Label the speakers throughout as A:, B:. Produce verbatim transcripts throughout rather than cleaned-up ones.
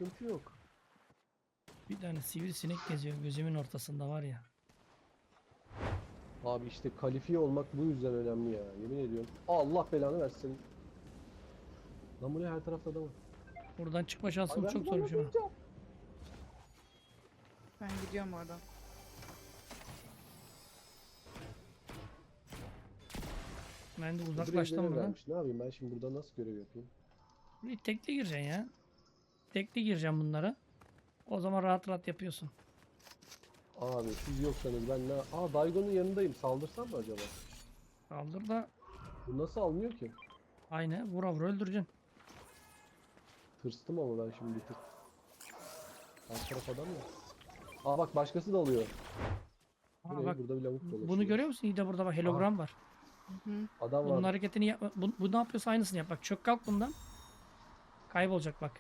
A: sıkıntı yok.
B: Bir tane sivrisinek geziyor gözümün ortasında var ya.
A: Abi işte kalifiye olmak bu yüzden önemli ya. Yemin ediyorum. Allah belanı versin. Lan bu ne, her tarafta adam var.
B: Buradan çıkma
A: Ay
B: şansım
A: ben
B: çok
A: de
B: zormuş ama.
A: anlatacağım.
C: Ben gidiyorum oradan.
B: Ben de
A: Öbür
B: uzaklaştım
A: evlere
B: buradan.
A: vermiş. Ne yapayım ben şimdi burada, nasıl görev yapayım?
B: Bir tekli gireceksin ya. Tekli gireceğim bunlara. O zaman rahat rahat yapıyorsun.
A: Abi siz yoksanız ben ne... Aa, Daigo'nun yanındayım. Saldırsam mı acaba?
B: Kaldır da
A: Bu nasıl almıyor ki?
B: aynı vura vura öldüreceksin.
A: Tırstım ama ben şimdi bir tık. Alt taraf adam ya. Aa bak, başkası da alıyor. Bu
B: Aa,
A: ne?
B: bak
A: Burada bir lavuk dolaşıyor.
B: bunu görüyor musun? İyi de burada bak hologram var.
C: Hı hı.
A: Adam
B: Bunun
A: var.
B: hareketini yapma. Bu, bu ne yapıyorsa aynısını yap. Bak çök kalk bundan. Kaybolacak bak.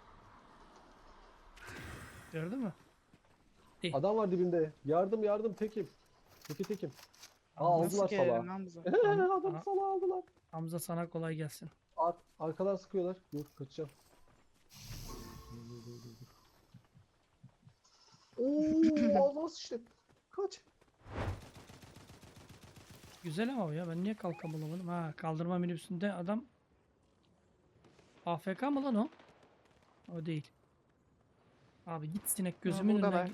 B: Gördün mü?
A: Adam var dibinde. Yardım yardım, tekim. Teki tekim. Aa,
C: Nasıl
A: aldılar
C: gelelim
A: salağı.
C: Hamza?
A: Adam
B: Aha.
A: salağı aldılar.
B: Hamza sana kolay gelsin.
A: Ar arkadan sıkıyorlar. Dur kaçacağım. Ooo ağzıma sıçtı. Kaç.
B: Güzel ama o ya. Ben niye kalkamamadım? Ha, kaldırma minibüsünde adam A F K mı lan o? O değil. Abi git sinek gözümün
C: burada
B: önünden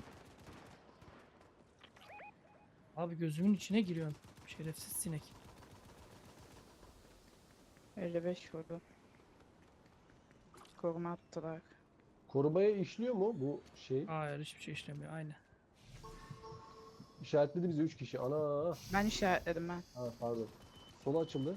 C: var.
B: git. Abi gözümün içine giriyorsun. Şerefsiz sinek.
C: elli beş vurdu. Koruma attılar.
A: Korumaya işliyor mu bu şey?
B: Hayır hiçbir şey işlemiyor. Aynı.
A: İşaretledi bizi üç kişi. Ana.
C: Ben işaretledim ben.
A: Ha pardon. Sola açıldı.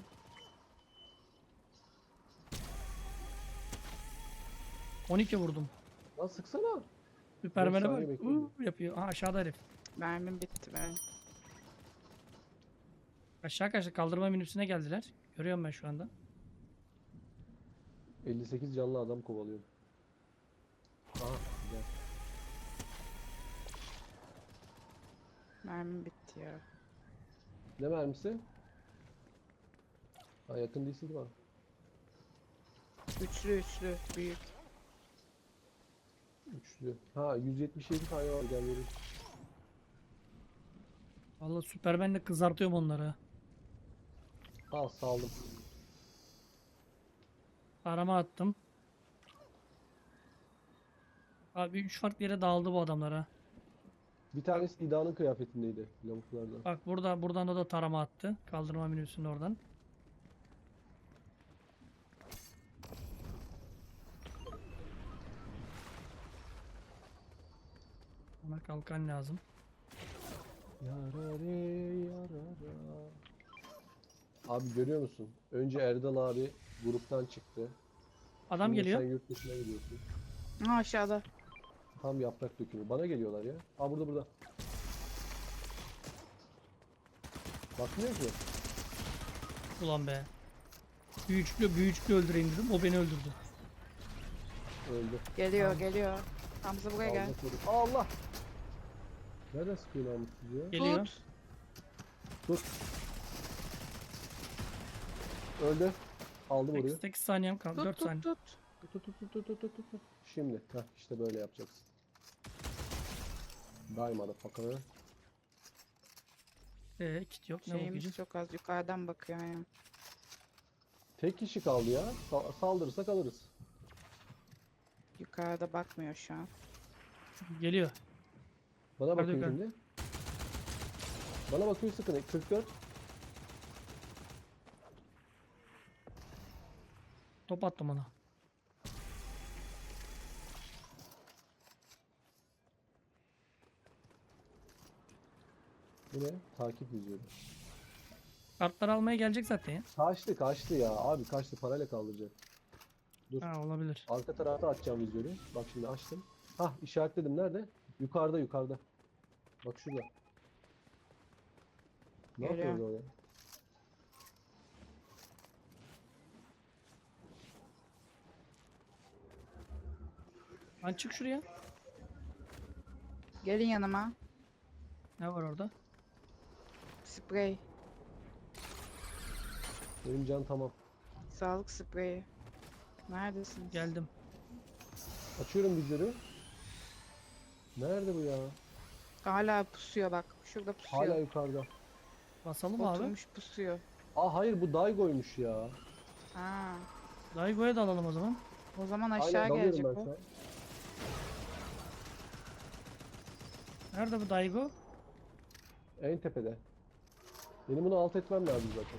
B: on iki vurdum.
A: Lan sıksana.
B: Süpermen'e
A: saniye
B: bak.
A: bekledim.
B: Uuu yapıyor. Ha aşağıda herif.
C: Mermim bitti ben.
B: Aşağı kaçtı. Kaldırma minibüsüne geldiler. Görüyorum ben şu anda.
A: elli sekiz canlı adam kovalıyorum. Aha güzel.
C: Mermim bitti ya.
A: Ne mermisi? Ha, yakın değilsin ki bana.
C: Üçlü üçlü büyük.
A: Üçlü. Ha, yüz yetmiş yedi tane var, gel vereyim.
B: Vallahi Süpermen'le kızartıyorum onları.
A: Al saldım.
B: Arama attım. Abi üç farklı yere dağıldı bu adamlar ha.
A: Bir tanesi İda'nın kıyafetindeydi lavuklardan.
B: Bak burada buradan da, da tarama attı. Kaldırma minibüsünün oradan. Ona kalkan lazım.
A: Yarare yarara. Abi görüyor musun? Önce Erdal abi gruptan çıktı.
B: Adam
A: Şimdi
B: geliyor.
A: sen yurt dışına gidiyorsun.
C: Ha aşağıda.
A: Tam yaprak dökümü. Bana geliyorlar ya. Aa, burada burada. Bakmıyor ki.
B: Ulan be. Büyücüklü büyücüklü öldüreyim dedim. O beni öldürdü.
A: Öldü.
C: Geliyor
B: Tamam.
C: geliyor. Hamza buraya gel.
A: Allah korusun. Allah! Nereden sıkıyor namussuz ya?
B: Geliyor.
C: Tut.
A: Tut. Öldü. Aldım orayı.
B: sekiz saniyem kaldı.
C: Tut
B: dört
C: tut
B: saniye.
C: tut.
A: Tut tut tut tut tut tut tut. Şimdi. Heh, işte böyle yapacaksın. Daima da fakanı.
B: Ee, kit yok. Ne
C: Şeyimiz
B: bakacağız?
C: çok az yukarıdan bakıyor ya.
A: Tek kişi kaldı ya. Sa- saldırırsak alırız.
C: Yukarıda bakmıyor şu an.
B: Geliyor.
A: Bana
B: Hadi
A: bakıyor
B: bakalım.
A: şimdi. Bana bakıyor, sıkın. kırk dört.
B: Top attım ona.
A: Bu ne? Takip izliyorum.
B: Kartları almaya gelecek zaten ya.
A: Kaçtı kaçtı ya. Abi kaçtı, parayla kaldıracak. Dur.
B: Ha olabilir.
A: Arka tarafta açacağım vizörü. Bak şimdi açtım. Hah, işaretledim. Nerede? Yukarıda yukarıda. Bak şurada. Ne
C: Geliyor.
A: yapıyor o ya?
B: Lan çık şuraya.
C: Gelin yanıma.
B: Ne var orada?
C: Sprey.
A: Benim can tamam.
C: Sağlık spreyi. Neredesiniz?
B: Geldim.
A: Açıyorum bizleri. Nerede bu ya?
C: Hala pusuyor bak. Şurada pusuyor.
A: Hala yukarıda.
B: Basalım abi.
C: Oturmuş pusuyor.
A: Aa hayır, bu Daigo'ymuş ya.
C: Ha.
B: Daigo'ya da alalım o zaman.
C: O zaman
A: Aynen,
C: aşağı
A: dalıyorum
C: gelecek
A: ben
C: o.
A: şu an.
B: Nerede bu Daigo?
A: En tepede. Benim bunu alt etmem lazım zaten.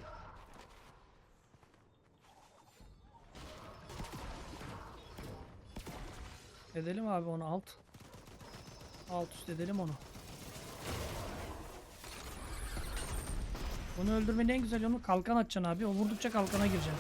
B: Edelim abi onu alt. Alt üst edelim onu. Bunu öldürmenin en güzel yolu kalkan atacaksın abi. O vurdukça kalkana gireceksin.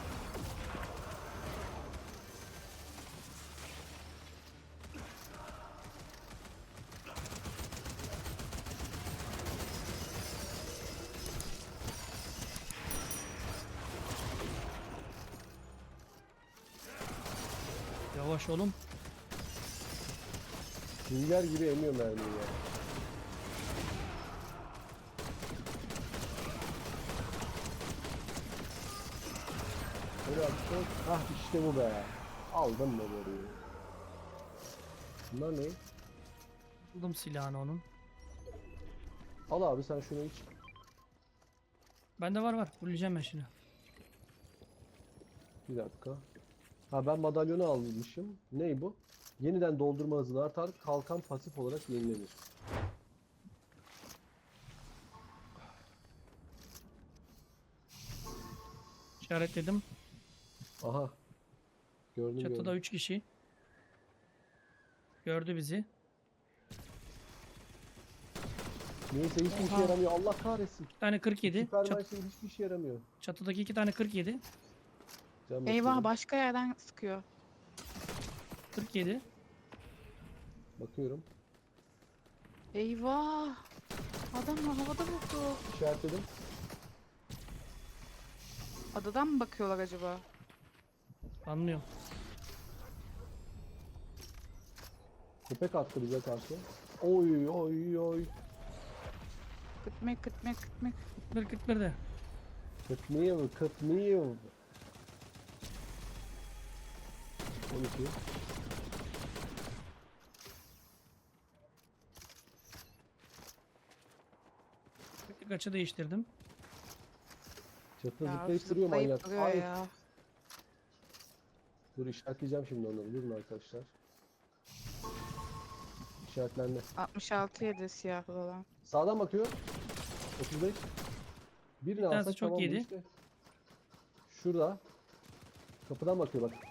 B: Yavaş oğlum.
A: Sünger gibi emiyor mermiyi ya. Böyle yapacağız. Hah işte bu be. Aldım mı boruyu? Bunlar ne?
B: Buldum silahını onun.
A: Al abi sen şunu iç.
B: Bende var var. Fulleyeceğim ben şimdi.
A: Bir dakika. Ha ben madalyonu almışım. Ney bu? Yeniden doldurma hızını artar. Kalkan pasif olarak yenilenir.
B: İşaretledim.
A: Aha. Gördüm
B: Çatıda
A: gördüm.
B: üç kişi. Gördü bizi.
A: Neyse hiçbir işe
B: Oha.
A: yaramıyor. Allah kahretsin.
B: Bir tane kırk yedi.
A: Süper
B: Çat-
A: Maris'in hiçbir işe yaramıyor.
B: çatıdaki iki tane kırk yedi.
A: Can
C: Eyvah,
A: bakıyorum.
C: başka yerden sıkıyor.
B: kırk yedi.
A: Bakıyorum.
C: Eyvah. Adam havada vurdu.
A: İşaretledim.
C: Adadan mı bakıyorlar acaba?
B: Anlıyorum.
A: Köpek attı bize karşı. Oy oy oy.
C: Kıtmek kıtmek kıtmek.
B: kırk kırk bir de.
A: Kıtmıyor, kıtmıyor. on iki.
B: Tek açı değiştirdim.
A: Çatıda
C: Ya
A: zıplayıp duruyor
C: zıplayıp
A: manyak.
C: duruyor
A: Ay,
C: ya.
A: dur işaretleyeceğim şimdi onları. Durun arkadaşlar. İşaretlendi.
C: altmış altı yedi siyahlı olan.
A: Sağdan bakıyor. otuz beş. Birini
B: tanesi
A: alsak
B: çok
A: tamam mı
B: yedi.
A: işte. Şurada. Kapıdan bakıyor bak.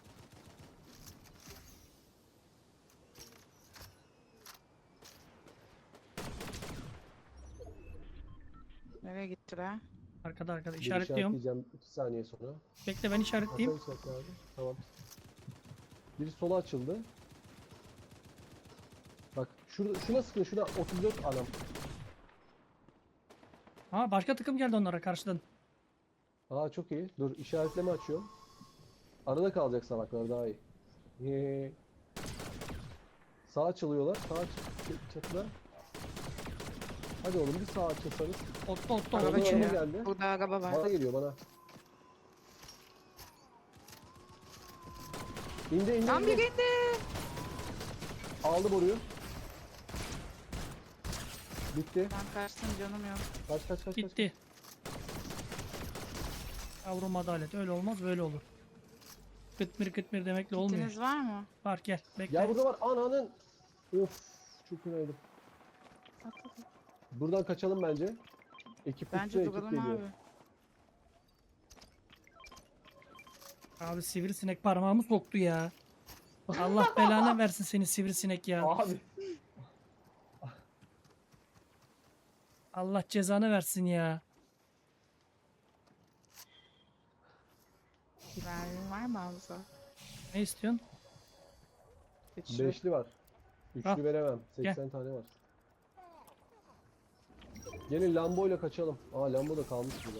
C: Nereye gittiler?
B: Arkada arkada
A: Bir
B: işaretliyorum.
A: işaretleyeceğim iki saniye sonra.
B: Bekle ben işaretleyeyim.
A: Hasan işaretle abi. Tamam. Biri sola açıldı. Bak şurada, şuna sıkın, şuna otuz dört anam.
B: Ha başka takım geldi onlara karşıdan.
A: Aa çok iyi. Dur işaretleme açıyorum. Arada kalacak salaklar daha iyi. Yee. Sağa açılıyorlar. Sağa ç- çatıda. Hadi oğlum bir sağa açılsanız.
B: Otlu otlu
C: Araba
B: otlu
A: Araba
B: içinde.
C: geliyor.
A: geldi.
C: Burada araba var.
A: Bana geliyor bana. İndi indi
C: Tam
A: indi.
C: bir indi.
A: Aldı boruyu. Bitti.
C: Ben kaçtım, canım yok.
A: Kaç kaç kaç kaç.
B: Gitti. Yavrum adalet. Öyle olmaz böyle olur. Kıtmir kıtmir demekle olmuyor.
C: Kitiniz var mı?
B: Var gel. Bekle.
A: Ya burada var ananın. Of çok fenaydım.
C: At, at, at.
A: Buradan kaçalım bence. Ekip
C: Bence
A: uçuyor, ekip
C: duralım
A: geliyor.
C: abi.
B: Abi sivrisinek parmağımı soktu ya. Allah belanı versin seni sivrisinek ya.
A: Abi.
B: Allah cezanı versin ya.
C: Mermin var mı Hamza?
B: Ne istiyorsun?
C: Güçlü.
A: Beşli var. Üçlü
B: Al.
A: veremem. seksen tane var. Gelin Lambo ile kaçalım. Aa Lambo da kalmış burada.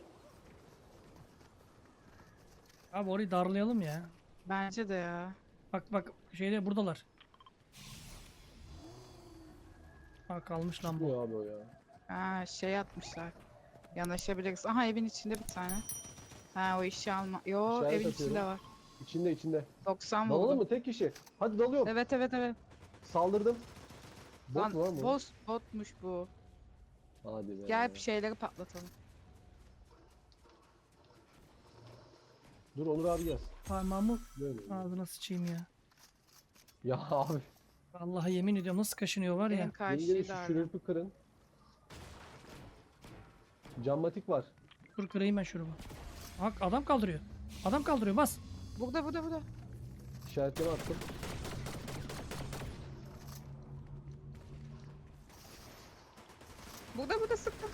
B: Abi orayı darlayalım ya.
C: Bence de ya.
B: Bak bak şeyde buradalar. Ha kalmış lan bu.
A: Çıkmıyor abi o ya.
C: Ha şey atmışlar. Yanaşabiliriz. Aha evin içinde bir tane. Ha o işi alma. Yo
A: İşaret
C: evin
A: atıyorum.
C: içinde var.
A: İçinde içinde.
C: doksan
A: Dalalım
C: vurdum.
A: mı? Tek kişi. Hadi dalıyorum.
C: Evet evet evet.
A: Saldırdım. Bot
C: Lan,
A: mu lan bu?
C: boss, botmuş bu.
A: Hadi be.
C: Gel bir şeyleri patlatalım.
A: Dur Onur abi gelsin.
B: Parmağımı
A: Böyle.
B: ağzına sıçayım ya.
A: Ya abi.
B: Vallahi yemin ediyorum nasıl kaşınıyor var
C: En
B: ya.
A: Gelin
C: karşıyı
A: gelin şu
C: da
A: şürürpü kırın. Cammatik var.
B: Dur kırayım ben şurubu. Bak adam kaldırıyor. Adam kaldırıyor bas.
C: Burada burada burada.
A: İşaretleme attım.
C: Burada burada sıktım.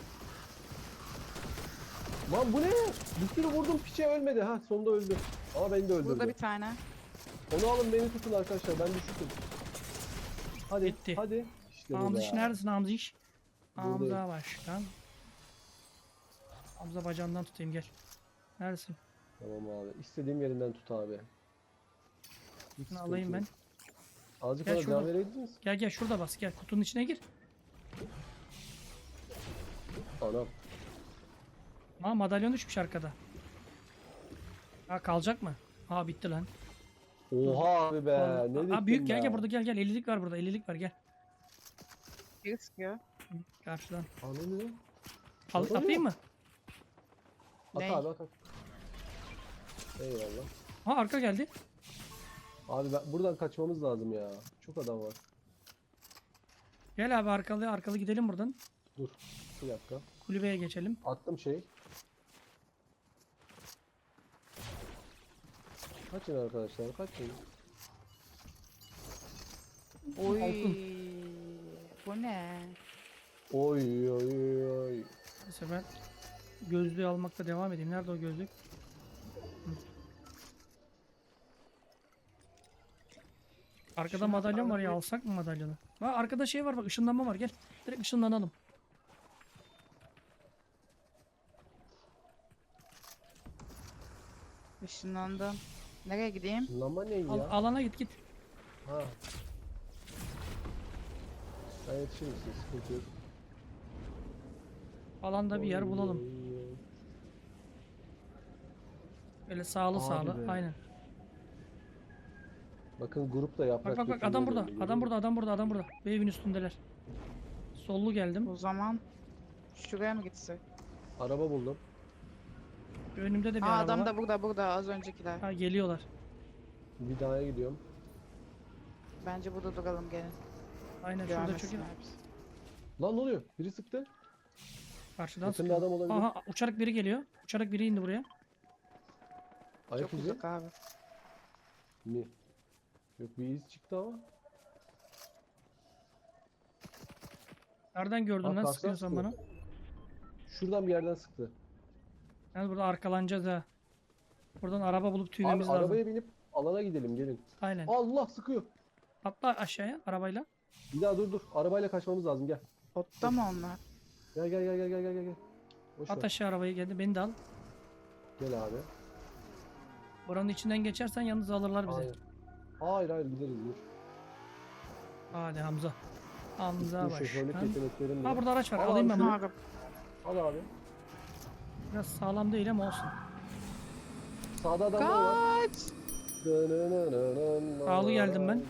A: Lan bu ne? Bir sürü vurdum piçe ölmedi. Ha sonunda öldü. Ama beni de öldürdü.
C: Burada bir tane.
A: Onu alın beni tutun arkadaşlar ben düşürdüm. Hadi
B: Bitti.
A: hadi. İşte bu
B: Hamza
A: be.
B: iş neredesin Hamza iş?
A: Buradayım.
B: Hamza başkan. Hamza bacağından tutayım gel. Neredesin?
A: Tamam abi. İstediğim yerinden tut abi. Hiç
B: Bunu
A: sıkıntı
B: alayım ben.
A: yok. Azıcık
B: Gel
A: bana
B: şurada.
A: can verebiliriz.
B: Gel gel şurada bas gel kutunun içine gir.
A: Anam.
B: Ha madalyon düşmüş arkada. Ha kalacak mı? Ha bitti lan.
A: Oha abi be.
B: Vallahi-
A: Ne
B: Aa,
A: diktin
B: büyük gel
A: be?
B: gel burada gel gel ellilik var burada ellilik var gel.
C: Biri sıkıyor.
B: Hı, Karşıdan.
A: Ananı.
B: Al,
A: Madalyon.
B: atayım mı?
A: At
C: Ney?
A: abi at at. Eyvallah.
B: Ha arka geldi.
A: Abi ben, buradan kaçmamız lazım ya. Çok adam var.
B: Gel abi arkalı arkalı gidelim buradan.
A: Dur. Bir dakika.
B: Kulübeye geçelim.
A: Attım şey. Kaçın arkadaşlar kaçın.
C: Oy.
B: Altın.
C: Bu ne?
A: Oy oy oy.
B: Neyse ben gözlüğü almakta devam edeyim. Nerede o gözlük? Hı. Arkada
C: Şunu
B: madalyon var ya
C: alabilir-
B: alsak mı madalyonu? Ha arkada şey var bak ışınlanma var gel. Direkt ışınlanalım.
C: Işınlandım. Nereye gideyim?
A: Şunlanma ne
B: Al-
A: ya?
B: alana git git.
A: Ha. Ben yetişirim size sıkıntı yok.
B: Alanda bir yer
A: Oy,
B: bulalım.
A: oy, oy.
B: Böyle sağlı
A: Hadi
B: sağlı.
A: be.
B: Aynen.
A: Bakın grupta yaprak
B: Bak bak bak
A: dökümü
B: adam burada.
A: oluyor, görüyor
B: Adam
A: musun?
B: burada adam burada adam burada. Bu evin üstündeler. Sollu geldim.
C: O zaman şuraya mı gitsek?
A: Araba buldum.
B: Önümde de bir
C: Aa,
B: araba
C: adam
B: var.
C: da burada burada az öncekiler.
B: Ha geliyorlar.
A: Bir daha gidiyorum.
C: Bence burada duralım gelin.
B: Aynen şurada çünkü
C: Görmesinler bizi.
A: Lan ne oluyor? Biri sıktı.
B: karşıdan
A: Yakında
B: sıkıyor.
A: adam olabilir.
B: Aha uçarak biri geliyor. Uçarak biri indi buraya.
A: Ayak
C: Çok
A: izi
C: uzak abi.
A: mi? Yok bir iz çıktı ama.
B: Nereden gördün
A: Aa,
B: lan
A: karşıdan
B: sıkıyorsan
A: sıkıyor.
B: bana?
A: Şuradan bir yerden sıktı.
B: Yani burada arkalanacağız ha. Buradan araba bulup
A: Abi
B: tüymemiz lazım.
A: arabaya binip alana gidelim gelin.
B: Aynen.
A: Allah sıkıyor.
B: Atla aşağıya arabayla.
A: Bir daha dur dur. Arabayla kaçmamız lazım gel.
C: Botta mı onlar?
A: Gel gel gel gel gel gel gel. Boş
B: At
A: ver.
B: aşağı arabayı geldi. Beni de al.
A: Gel abi.
B: Buranın içinden geçersen yalnız alırlar bizi.
A: Hayır. Hayır hayır gideriz dur.
B: Hadi Hamza. Hamza
A: Dur şoförlük
B: başkan.
A: yeteneklerim
B: Ha
A: var.
B: burada araç var.
A: Al
B: Alayım
A: abi
B: ben
A: şunu.
B: bunu.
C: Araba.
A: Al abi.
B: Biraz sağlam değil ama olsun.
A: Sağda adamlar var.
C: Kaç!
B: Sağlı geldim ben.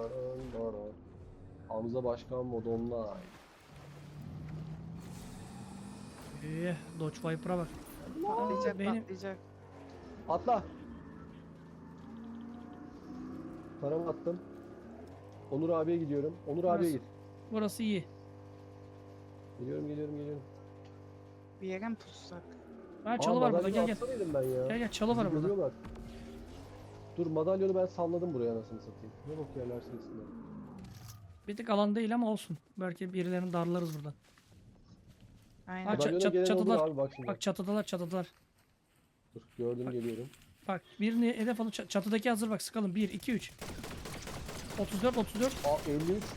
A: Hamza Başkan modonla.
B: Ee, Dodge Viper'a bak.
C: Patlayacak
B: benim-
C: patlayacak.
A: Atla. Paramı attım. Onur abiye gidiyorum. Onur abiye
B: Burası-
A: git.
B: Burası iyi.
A: Geliyorum geliyorum geliyorum.
C: Bir yere mi tutsak?
B: Ha çalı var burada gel gel.
A: Atsanaydım ben ya.
B: Gel gel çalı var
A: Bizi
B: burada.
A: görüyorlar. Dur madalyonu ben salladım buraya anasını satayım. Ne bok yerler sesinden.
B: Bir tık alan değil ama olsun. Belki birilerini darlarız buradan.
C: Aynen.
B: Aç-
A: Madalyona
B: çat-
A: gelen
B: çatılar.
A: olur abi bak şimdi.
B: Bak çatıdalar çatıdalar.
A: Dur gördüm geliyorum.
B: Bak birini hedef alıp çat- çatıdaki hazır bak sıkalım. bir, iki, üç. otuz dört, otuz dört.
A: Aa elli üç.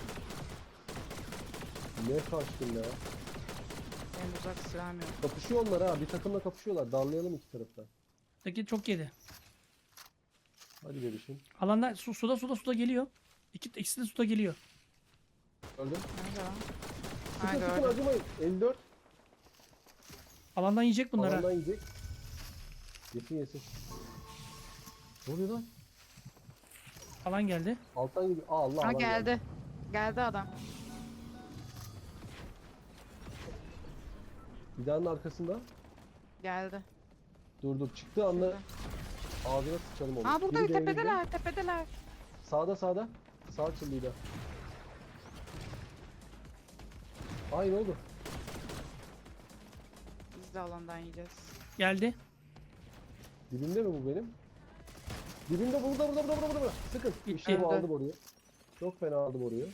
A: Ne kaçtın ya?
C: En uzak silahım yok.
A: Kapışıyor onlar ha. Bir takımla kapışıyorlar. Darlayalım iki taraftan.
B: Daki çok yedi.
A: Hadi bebişim.
B: Alanda su, suda suda suda geliyor. İki, ikisi de suda geliyor.
A: Öldüm.
C: Nerede lan?
A: Sıkın
C: Ha
A: sıkın
C: gördüm.
A: acımayın. elli dört.
B: Alandan yiyecek bunlar ha.
A: Alandan yiyecek. Yesin yesin. Ne oluyor lan?
B: Alan geldi.
A: Alttan gidiyor. Aa, Allah
C: Ha
A: Allah.
C: geldi. Geldi adam.
A: Binanın arkasında.
C: Geldi.
A: Dur dur. Çıktığı anda
C: Şurada.
A: ağzına sıçalım onu.
C: Aa burada
A: Biri devrildi.
C: tepedeler tepedeler.
A: Sağda sağda. Sağ çıllıydı. Ay ne oldu?
C: Biz de alandan yiyeceğiz.
B: Geldi.
A: Dibimde mi bu benim? Dibimde burada burada burada burada burada. Sıkın.
B: Gitti.
A: İşte bu
C: Öldü.
A: aldım orayı. Çok fena aldım orayı.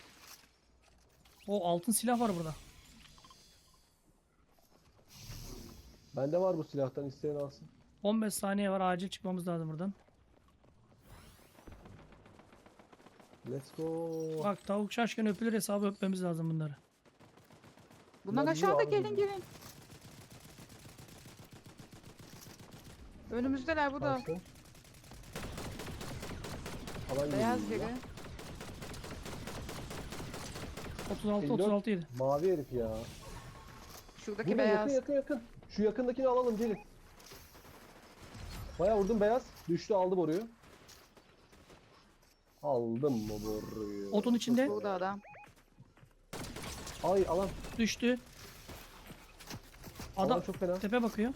B: O altın silah var burada.
A: Bende var bu silahtan, isteyen alsın.
B: on beş saniye var. Acil çıkmamız lazım buradan.
A: Let's go.
B: Bak tavuk şaşkın öpülür hesabı öpmemiz lazım bunları.
C: Bunlar
A: Bunlar
C: aşağıda,
A: biliyor abi
C: gelin
A: bizi.
C: gelin. Önümüzdeler bu da.
A: Karşı. Alan
C: Beyaz
A: geliyor.
C: biri.
B: otuz altı
A: elli dört.
B: otuz altı yedi.
A: Mavi herif ya.
C: Şuradaki
A: Burada
C: beyaz.
A: yakın yakın yakın. Şu yakındakini alalım, gelin. Bayağı vurdum, beyaz. Düştü, aldı boruyu. Aldım mı boruyu?
B: Otun içinde
C: Burada adam.
A: Ay alan.
B: düştü.
A: Alan
B: Adam
A: çok fena.
B: tepe bakıyor.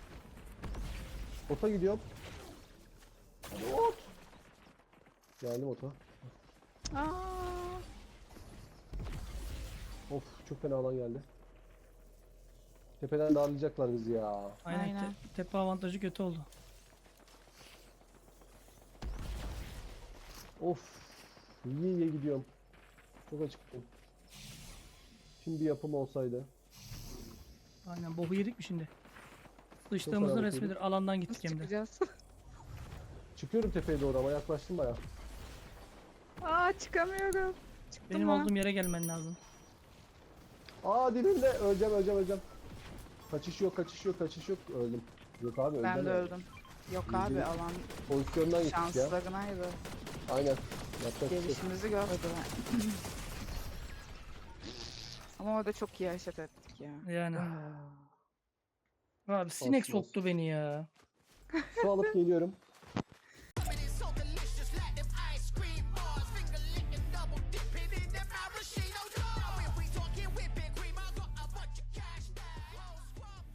A: Ota gidiyorum. Ot. Geldim ota.
C: Aa,
A: Of, çok fena alan geldi. Tepeden darlayacaklar bizi ya.
B: Aynen.
C: Aynen.
B: te- tepe avantajı kötü oldu.
A: Of. İyi iyi gidiyorum. Çok acıktım. Şimdi yapım olsaydı.
B: Aynen boku yedik mi şimdi?
A: fena
B: Sıçtığımızın
A: boku
B: resmidir. Alandan
C: nasıl
B: gittik hem de.
C: çıkacağız?
A: Çıkıyorum tepeye doğru ama yaklaştım bayağı.
C: Aa çıkamıyorum. Çıktım
B: Benim
C: lan.
B: olduğum yere gelmen lazım.
A: Aa dibimde, öleceğim öleceğim öleceğim. Kaçış yok, kaçış yok, kaçış yok. Öldüm. Yok abi öldüm.
C: Ben de öldüm. Yok
A: İyice-
C: abi alan
A: Pozisyondan gittik ya.
C: şanslarınaydı.
A: Aynen. Yapacak bir şey yok.
C: Gelişimizi görmediler. Ama orada çok iyi hareket ettik ya.
B: Yani. Abi sinek
A: Olsun, olsun.
B: soktu beni ya.
A: Su alıp geliyorum.